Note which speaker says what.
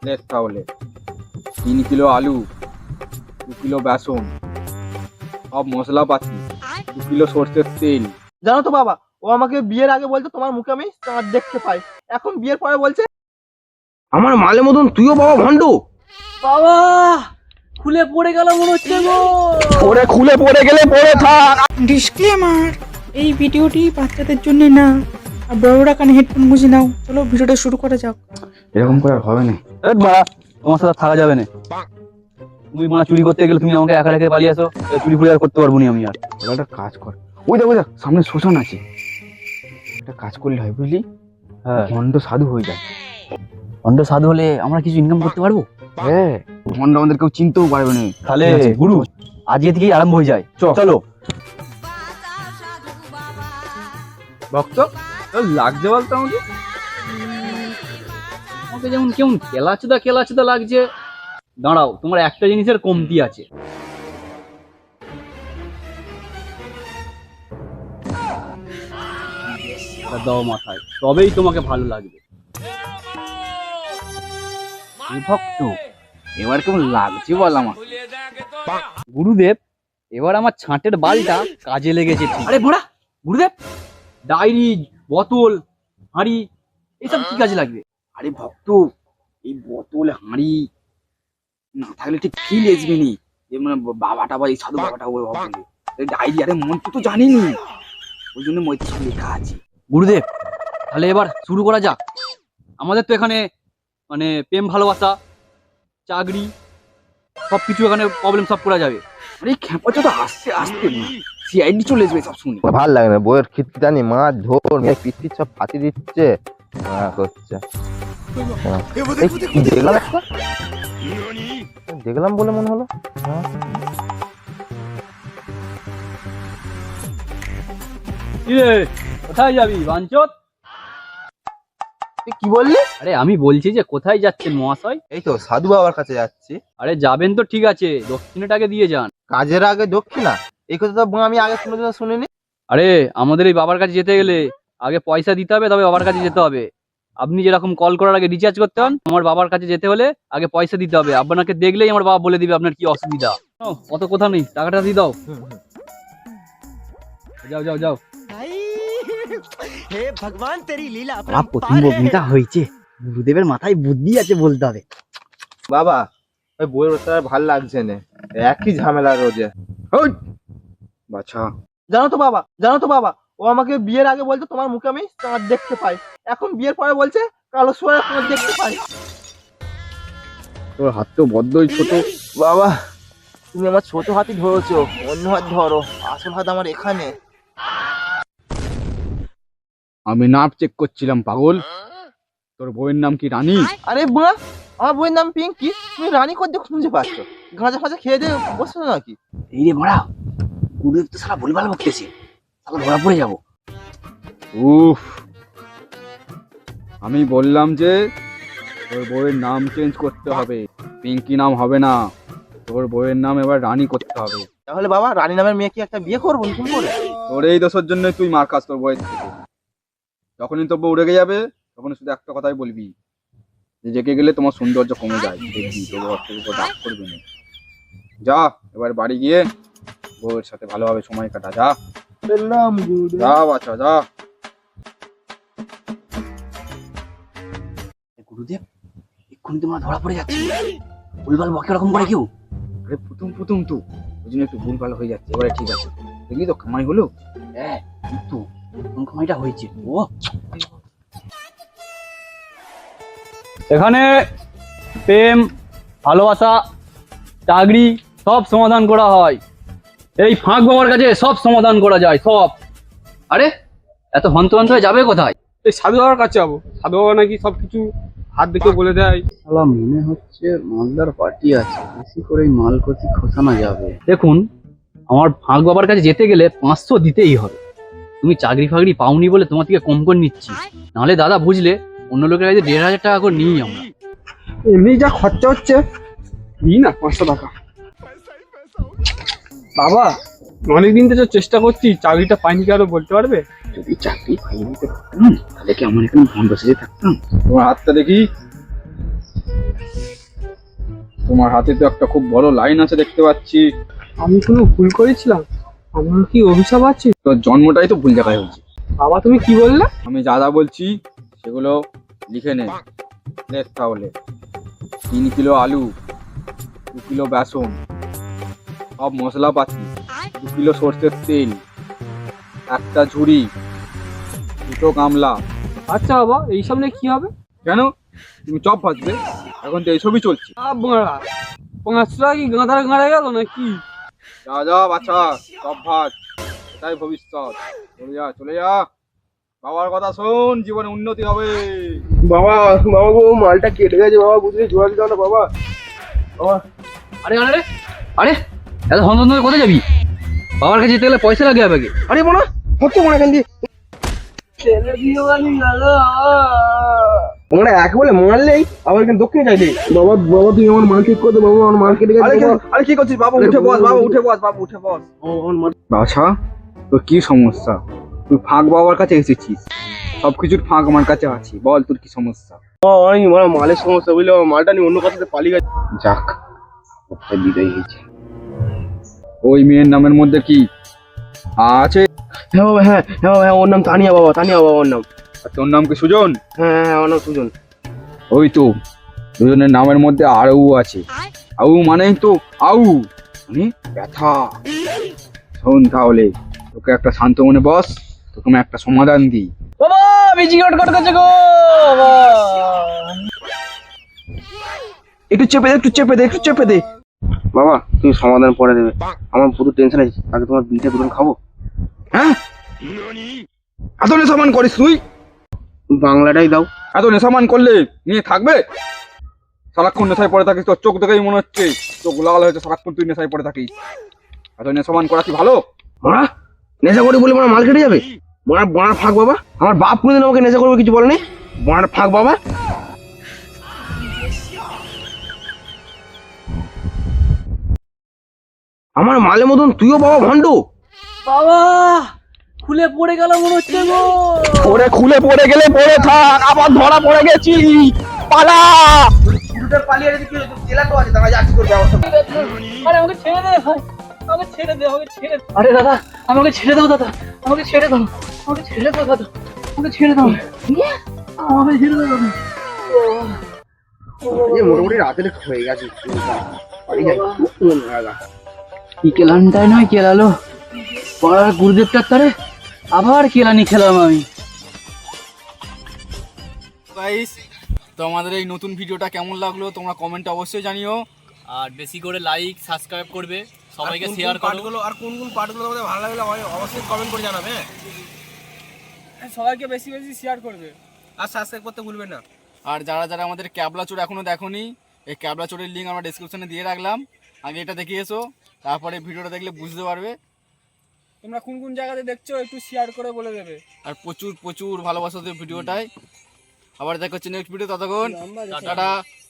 Speaker 1: দেখ তাহলে 3 কিলো আলু, 2 কিলো বেসন, সব মশলাপাতি, 2 কিলো সর্ষের তেল।
Speaker 2: জানো তো বাবা, ও আমাকে বিয়ের আগে বলতো তোমার মুখে আমি চাঁদ দেখতে পাই, এখন বিয়ের পরে বলছে
Speaker 1: আমার মালের মতন তুইও বাবা ভণ্ড।
Speaker 3: বাবা খুলে পড়ে গেল মনে হচ্ছে গো।
Speaker 1: ওরে খুলে পড়ে গেলে পড়ে থাক।
Speaker 4: ডিসক্লেমার, এই ভিডিওটি বাচ্চাদের জন্য না, আর বড়রা কানে হেডফোন গুঁজে নাও। চলো ভিডিওটা শুরু করা যাক।
Speaker 1: এরকম করে আর হবে না।
Speaker 3: বাড়া তোমার সাথে থাকা যাবে না। তুমি মানা চুরি করতে গেলে তুমি আমাকে একা রেখে পালিয়ে আসো, চুরি ফুরি আর করতে পারবো না আমি আর।
Speaker 1: একটা কাজ কর, ওই দেখ সামনে শ্মশান আছে, একটা কাজ করলে হয় বুঝলি,
Speaker 3: হ্যাঁ
Speaker 1: ভণ্ড সাধু হয়ে যায়।
Speaker 3: ভণ্ড সাধু হলে আমরা কিছু ইনকাম করতে পারবো।
Speaker 1: হ্যাঁ, ভণ্ড আমাদের কেউ চিনতেও পারবে না।
Speaker 3: তাহলে
Speaker 1: ঠিক আছে,
Speaker 3: গুরু আজকে থেকেই আরম্ভ হয়ে যায়। চলো
Speaker 1: ভক্ত লাগছে বলতো আমাকে।
Speaker 3: আমাকে যেমন কেমন খেলাচুদা লাগছে। দাঁড়াও, তোমার একটা জিনিসের কমতি আছে। দাও মাথায়, তবেই তোমাকে ভালো লাগবে।
Speaker 1: ভক্ত এবার কেমন লাগছে বল আমার।
Speaker 3: গুরুদেব এবার আমার ছাঁটের বালটা কাজে লেগেছে। ঠিক আরে ভোড়া গুরুদেব, ডায়েরি, বোতল, হাঁড়ি এসব কি কাজে লাগবে?
Speaker 1: আরে ভক্ত, এই বোতল হাঁড়ি না থাকলে ঠিক ফিল আসবে নি। মানে বাবাটা বা এই সাধু বাবাটা ওই ভাববে ডায়েরি। আরে মন তুই তো জানিনি, ওই জন্য মই সব লেখা আছে।
Speaker 3: গুরুদেব তাহলে এবার শুরু করা যাক। আমাদের তো এখানে মানে প্রেম ভালোবাসা, চাকরি সবকিছু এখানে প্রবলেম সলভ করা যাবে।
Speaker 1: আরে খেপা তো আসছে আসতে না, সিআইডি চলে আসবে সব শুনে।
Speaker 5: ভাল লাগে না বইয়ের খিস্তি জানি মাছ ধর পিস্তির সব ফাঁসি দিচ্ছে করছে। কি দেখলাম একটা দেখলাম বলে মনে হলো।
Speaker 3: কিরে কোথায় যাবি বাঞ্চত?
Speaker 5: তুই কি বললি?
Speaker 3: আরে আমি বলছি যে কোথায় যাচ্ছেন মহাশয়?
Speaker 5: এই তো সাধু বাবার কাছে যাচ্ছি।
Speaker 3: আরে যাবেন তো ঠিক আছে, দক্ষিণাটাকে দিয়ে যান।
Speaker 5: কাজের আগে দক্ষিণা, এই কথা তো আমি আগে কোনোদিনও শুনিনি।
Speaker 3: আরে আমাদের এই বাবার কাছে যেতে গেলে আগে পয়সা দিতে হবে, তবে বাবার কাছে যেতে হবে। আপনি যেরকম কল করার আগে রিচার্জ করতে হন, আমার বাবার কাছে যেতে হলে আগে পয়সা দিতে হবে। আপনাকে দেখলেই আমার বাবা বলে দিবে আপনার কি অসুবিধা। অত কথা নেই, টাকাটা দিয়ে দাও। যাও যাও যাও।
Speaker 2: হে ভগবান তেরি লীলা।
Speaker 3: আমার প্রথম বগ্নিটা হয়েছে, গুরুদেবের মাথায় বুদ্ধি আছে বলতে হবে।
Speaker 5: বাবা ওই বইয়ের ওটা ভাল লাগছে না, একই ঝামেলা রোজে।
Speaker 1: বাছা
Speaker 2: জানো তো বাবা, ও আমাকে বিয়ের আগে বলতো তোমার মুখে আমি চাঁদ দেখতে পাই, এখন বিয়ের পরে বলছে কালো সোয়া চাঁদ দেখতে পাই।
Speaker 1: তোর হাত তো বড্ডই ছোট।
Speaker 5: বাবা তুমি আমার ছোট হাতই ধরেছো, অন্য হাত ধরো, আসল হাত আমার এখানে।
Speaker 1: আমি নাপ চেক করছিলাম পাগল। তোর বউয়ের নাম কি রানী?
Speaker 5: আরে বুড়া, আমার বইয়ের নাম পিঙ্কি, তুমি রানী করতে খুঁজে পাচ্ছ? গাঁজা ফাঁজা খেয়ে দিয়ে বসছো নাকি?
Speaker 3: এই রে বড়া, গুরুদেব তো সারা ভুলভাল বকতেছে, তাহলে ধরা পড়ে যাবো।
Speaker 1: উফ, আমি বললাম যে তোর বউয়ের নাম চেঞ্জ করতে হবে, পিঙ্কি নাম হবে না, তোর বউয়ের নাম এবার রানী করতে হবে।
Speaker 5: তাহলে বাবা রানী নামের মেয়ে কি একটা বিয়ে করবো নতুন করে?
Speaker 1: তোর এই দোষের জন্য তুই মার খাস তোর বউয়ের থেকে। যখনই তোর বউ রেগে যাবে তখন শুধু একটা কথাই বলবি, যে রেগে গেলে তোমার সৌন্দর্য কমে যায়, দেখবি তোর বউ তোর উপর রাগ করবে না। যা এবার বাড়ি গিয়ে বউয়ের সাথে ভালোভাবে সময় কাটা। যা যা বাচ্চা যা।
Speaker 3: গুরুদেব এক্ষুনি তোমরা ধরা পড়ে যাচ্ছে, ভুলভাল বকে রকম করে কেউ।
Speaker 1: আরে প্রথম তো ওই জন্য একটু ভুল ভালো হয়ে যাচ্ছে, এবারে ঠিক আছে। দেখলি তো কামাই হলো।
Speaker 3: হ্যাঁ কিন্তু কোন সময়টা হয়েছে ও। এখানে প্রেম, ভালোবাসা, চাকরি সব সমাধান করা হয়। এই ফাঁক বাবার কাছে সব সমাধান করা যায় সব। আরে এত হন্তদন্ত হয়ে যাবে কোথায়?
Speaker 6: এই সাধু বাবার কাছে যাবো, সাধু বাবা নাকি সবকিছু হাত দেখে বলে দেয়।
Speaker 3: শালা মনে হচ্ছে মালদার পার্টি আছে, বেশি করে মাল কচি খোসানো যাবে। দেখুন আমার ফাঁক বাবার কাছে যেতে গেলে 500 দিতেই হবে। তুমি চাকরি ফাকরি পাওনি বলে তোমার থেকে কম করে নিচ্ছি, নাহলে দাদা বুঝলে অন্য লোকের কাছে 1500 টাকা করে নিই আমরা।
Speaker 6: এমনি যা খরচা হচ্ছে, নিই না 500 টাকা। বাবা অনেকদিন থেকে চেষ্টা করছি, চাকরিটা পাইনি, কি আরো বলতে পারবে?
Speaker 1: যদি চাকরি পাইনি তো পারতাম, তাহলে কি আমার এখানে ভণ্ড সেজে থাকতাম? তোমার হাতটা দেখি। তোমার হাতে তো একটা খুব বড় লাইন আছে দেখতে পাচ্ছি।
Speaker 6: আমি কোনো ভুল করেছিলাম? আমার কি অভিশাপ আছে?
Speaker 1: তোর জন্মটাই তো ভুল জায়গায় হয়েছে।
Speaker 6: বাবা তুমি কি বললে?
Speaker 1: আমি যা যা বলছি সেগুলো লিখে নে। লেখ তাহলে। 3 কিলো আলু, 2 কিলো বেসন, সব মশলাপাতি, 2 কিলো সর্ষের তেল, একটা ঝুড়ি, 2টো গামলা।
Speaker 6: আচ্ছা বাবা, এইসব নিয়ে কি হবে?
Speaker 1: কেন তুমি চপ ভাজবে? এখন তো এইসবই চলছে।
Speaker 6: বাড়া, 5 টাকা কি গাঁদার গাঁড়ে গেল নাকি?
Speaker 1: যা যা বাছা, চপ ভাজ, এটাই ভবিষ্যৎ। চলে যা চলে যা, বাবার কথা শোন, জীবনে উন্নতি হবে।
Speaker 2: বাবা বাবা গো, মালটা কেটে গেছে বাবা, বুঝলি জোড়া দিতে না বাবা। বাবা
Speaker 3: আরে আরে আরে এত হন কোথায় যাবি? বাবার কাছে যেতে গেলে পয়সা লাগে আগে।
Speaker 2: আরে মনে হচ্ছে মনে এখান দিয়ে মনে এক বলে মারলেই আবার এখানে দক্ষিণে চাইলে। বাবা বাবা তুমি আমার মাল ঠিক করে দে বাবা, আমার মাল কেটে গেছে। আরে কি করছিস বাবা? উঠে বস বাবা, উঠে বস বাবা, উঠে বস।
Speaker 1: বাছা, তোর কি সমস্যা? তুই ফাঁক বাবার কাছে এসেছিস, সবকিছুর ফাঁক আমার কাছে আছে, বল তোর কি সমস্যা?
Speaker 2: আমি মালের সমস্যা বুঝলে, আমার মালটা নিয়ে অন্য কথাতে পালিয়ে গেছে।
Speaker 1: যাক, একটা বিদায় হয়েছে। ওই মেয়ের নামের মধ্যে কি আছে?
Speaker 2: হ্যাঁ বাবা, হ্যাঁ হ্যাঁ বাবা, হ্যাঁ ওর নাম তানিয়া বাবা, তানিয়া বাবা ওর নাম।
Speaker 1: আর তোর নাম কি সুজন?
Speaker 2: হ্যাঁ হ্যাঁ ওর নাম সুজন।
Speaker 1: ওই তো, দুজনের নামের মধ্যে আউ আছে। আউ মানেই তো আউ, মানে ব্যথা। শোন তাহলে, তোকে একটা শান্ত মনে বস, তোকে আমি একটা সমাধান দিই।
Speaker 3: বাবা বিজি কট করছে গো বাবা।
Speaker 2: একটু চেপে দে, একটু চেপে দে, একটু চেপে দে। বাবা তুমি সমাধান পরে দেবে, আমার পুরো টেনশন আছে। আগে তোমার বিটা দুজন খাবো।
Speaker 1: হ্যাঁ, এত নেশামান করিস তুই?
Speaker 2: বাংলাটাই দাও।
Speaker 1: এত নেশামান করলে নিয়ে থাকবে? সারাক্ষণ নেশায় পড়ে থাকিস, তোর চোখ দেখেই মনে হচ্ছে চোখ লাল হয়েছে, সারাক্ষণ তুই নেশায় পড়ে থাকিস। এত নেশামান করা কি ভালো?
Speaker 2: মারা নেশা করে বলে মারা মাল কেটে যাবে? বড়ার ফাঁক বাবা, আমার বাপ কোনোদিন আমাকে নেশা করবে কিছু বলেনি। বড়ার ফাঁক বাবা। আমার মালের মতন তুইও বাবা ভণ্ড।
Speaker 3: বাবা খুলে পড়ে গেল মনে হচ্ছে গো।
Speaker 2: ওরে খুলে পড়ে গেলে পড়ে থাক, আবার ধরা পড়ে গেছি, পালা। পালিয়ে জেলা তো আছে, তারা যাচ্ছি তোর ব্যবস্থা।
Speaker 3: আরে আমাকে ছেড়ে দে ভাই, আমাকে ছেড়ে দে, আমাকে ছেড়ে দে। আরে দাদা আমাকে ছেড়ে দাও দাদা, আমাকে ছেড়ে দাও, আমাকে ছেড়ে দাও দাদা, আমাকে ছেড়ে দাও, আমাকে ছেড়ে দাও দাদা।
Speaker 2: মোটামুটি রাতের হয়ে গেছে, বাড়ি যাই।
Speaker 3: কি কেলানটাই নয় কেলালো, পাড়ার গুরুদেবটার তারে আবার কেলানি খেলাম আমি।
Speaker 1: গাইস, তো আমাদের এই নতুন ভিডিওটা কেমন লাগলো তোমরা কমেন্টে অবশ্যই জানিও।
Speaker 3: আর বেশি করে লাইক সাবস্ক্রাইব করবে, সবাইকে শেয়ার করো।
Speaker 2: আর কোন কোন পার্টগুলো তোমাদের ভালো লাগলো অবশ্যই কমেন্ট করে জানাবে।
Speaker 6: সবাইকে বেশি বেশি শেয়ার করবে
Speaker 2: আর সাবস্ক্রাইব করতে ভুলবেন না।
Speaker 1: আর যারা যারা আমাদের ক্যাবলা চোর এখনো দেখোনি, এই ক্যাবলা চোরের লিঙ্ক আমরা ডেসক্রিপশনে দিয়ে রাখলাম, আগে এটা দেখে এসো, তারপরে ভিডিওটা দেখলে বুঝতে পারবে।
Speaker 6: তোমরা কোন কোন জায়গাতে দেখছো একটু শেয়ার করে বলে দেবে।
Speaker 1: আর প্রচুর প্রচুর ভালোবাসা দেবে ভিডিওটায়। আবার দেখা হচ্ছে নেক্সট ভিডিও, ততক্ষণ টাটা।